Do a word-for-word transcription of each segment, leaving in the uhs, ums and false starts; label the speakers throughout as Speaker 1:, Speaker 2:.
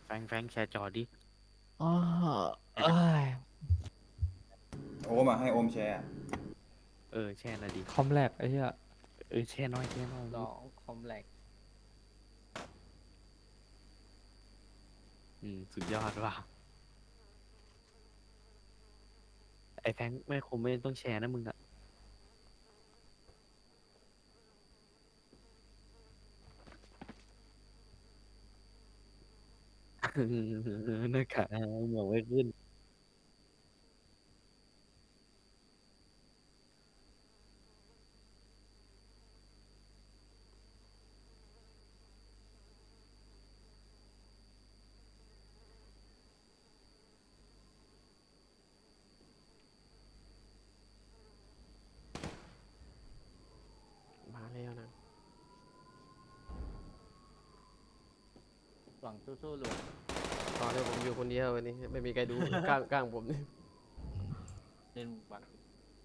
Speaker 1: แฟงแฟงแชร์จอดิ
Speaker 2: อ๋อเอ้ย
Speaker 3: โอมอ่ะให้โอมแชร์
Speaker 1: เออแชร์หน่อยดิ
Speaker 2: คอมแลกไอ้เหี้ย
Speaker 1: เออแชร์น้อยแชร์น้อย
Speaker 4: สองคอมแลก
Speaker 1: อืมสุดยอดว่ะไอ้แฟงไม่คงไม่ต้องแชร์นะมึงอะนะคะเหมือนไม่ขึ้น
Speaker 4: มาแล้วนะหวังสู้ๆลูกตอนนี้ผมอยู่คนเดียววันนี้ไม่มีใครดู กลางกลางผมนี่เล่นบัตร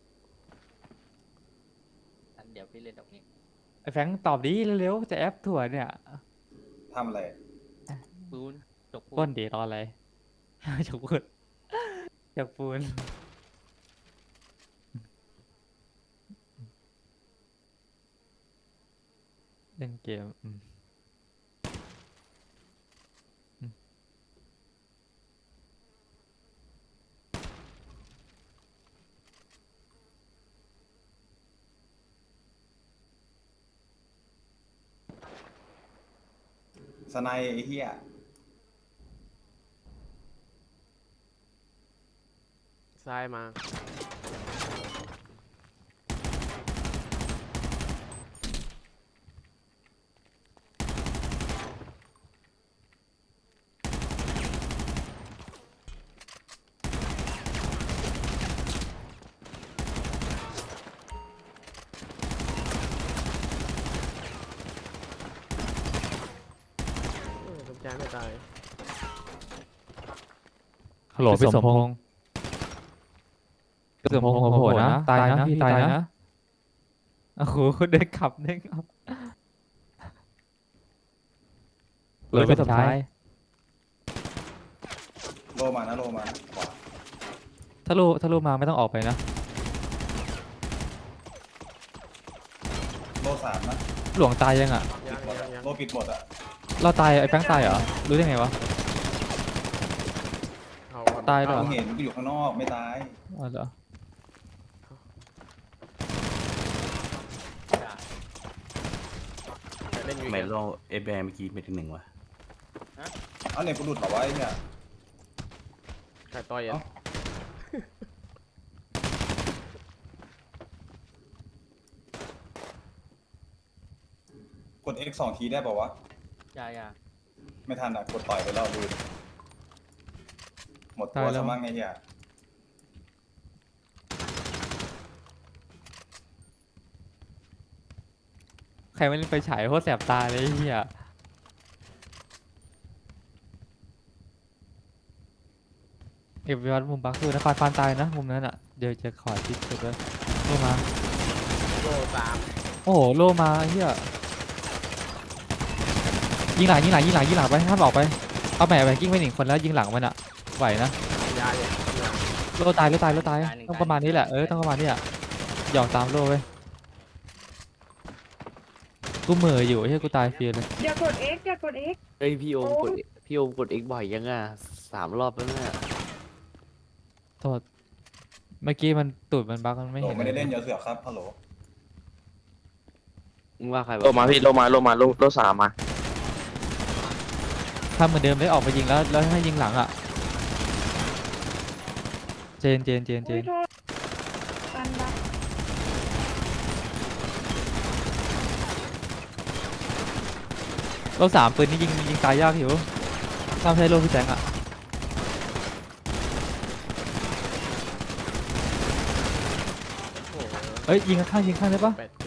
Speaker 4: อันเดี๋ยวพี่เล่นดอกนี้
Speaker 2: ไอ้แฟงตอบดีเร็วๆจะแอปถั่วเนี่ย
Speaker 3: ทำอะไร
Speaker 4: ปูนจกปู
Speaker 2: ป้นดีรออะไร จกปูนจกปูนเล่นเกมอืมอืม
Speaker 3: สไนไอ้เหี้ย
Speaker 4: ซ้ายมาเออสมใจไม่ตาย
Speaker 2: ฮัลโหลพี่สมพงษ์พี่สมพงษ์โหดนะตายนะพี่ตายนะโอ้โหเด้งขับเด้งขับเลยพี่สมชาย
Speaker 3: โลมานะโลมาขวา
Speaker 2: ถ้าลูถ้าลูมาไม่ต้องออกไปนะ
Speaker 3: โลสามนะ
Speaker 2: หลวงตายยังอ่ะ
Speaker 3: ปิ
Speaker 4: ยั
Speaker 3: ด
Speaker 4: ง
Speaker 3: หมด
Speaker 4: ยั
Speaker 3: อะ
Speaker 4: งยัง
Speaker 3: โลปิดหมดอ่ะ
Speaker 2: เราตายไอ้แป้งตายเหรอรู้ได้ไงวะ
Speaker 4: เอาก่อน
Speaker 2: ตายเหรอ
Speaker 3: มึงเห็นกูอยู่ข้างนอกไม่ตาย
Speaker 2: อ๋อเหรอ
Speaker 4: เล่นอยู่
Speaker 5: ทำไม
Speaker 4: อีก
Speaker 5: โลเอแบร์เมื่อกี้ไม่ถึงหนึ่งวะ
Speaker 3: เอาเนี่ยกูหลุดเหรอวะไอ้เนี่ย
Speaker 4: ใครต่อยอ่ะ
Speaker 3: กด X สองทีได้ป่าวะ
Speaker 4: ยายา
Speaker 3: ไม่ทันอ่ะ กดต่อยไปแล้วลืมหมดตัวซะมั่งไอ้เหี้ย
Speaker 2: ใครไม่เล่นไฟฉายโคตรแสบตาเลยไอ้เฮียเก็บยอดมุมบักคือนะฟานฟานตายนะมุมนั้นอ่ะเดี๋ยวจะขอทิปสุดเลยโลมา
Speaker 4: โลสาม
Speaker 2: โอ้โหโลมาไอ้เฮียยิงหลังยิงหลังยิงหลังยิงหลังไปห้ามออกไปเอาแหม่ไปกิ้งไปหนึ่งคนแล้วยิงหลังมันอ่ะไหวนะ
Speaker 4: ยาเลยยา
Speaker 2: โลตายโลตายโลตายต้องประมาณนี้แหละเออต้องประมาณนี้อ่ะหยอกตามโลไปกูเหม่ออยู่ไอ้เฮียกูตายฟรีเลย
Speaker 6: อย่ากด X อย่ากด X
Speaker 1: เอ้ยพี่โอม
Speaker 6: โอ้
Speaker 1: กดพี่โอมกด X บ่อยยังอ่ะสามรอบแล้วเนี่ย
Speaker 2: โทษเมื่อกี้มันตูดมันบักมันไม่
Speaker 3: โล
Speaker 2: เห็น
Speaker 3: ไม่ได้เล่นเยอะเสือกครับฮัลโหล
Speaker 1: มึงว่าใคร
Speaker 7: โลมาพี่โลมาโลมาโลโลสามมา
Speaker 2: ทำเหมือนเดิมเลยออกไปยิงแล้วแล้วให้ยิงหลังอ่ะเจนเจนเจนเจ
Speaker 6: อุ้ย
Speaker 2: น
Speaker 6: โทษตันบัก
Speaker 2: โลสามปืนนี่ยิงยิงตายยากอยู่ถ้าไม่ใช่โลพี่แจงอ่ะ
Speaker 4: โอ้โห
Speaker 2: เอ้ยยิงข้างๆยิงข้างได้ปะ
Speaker 4: แปด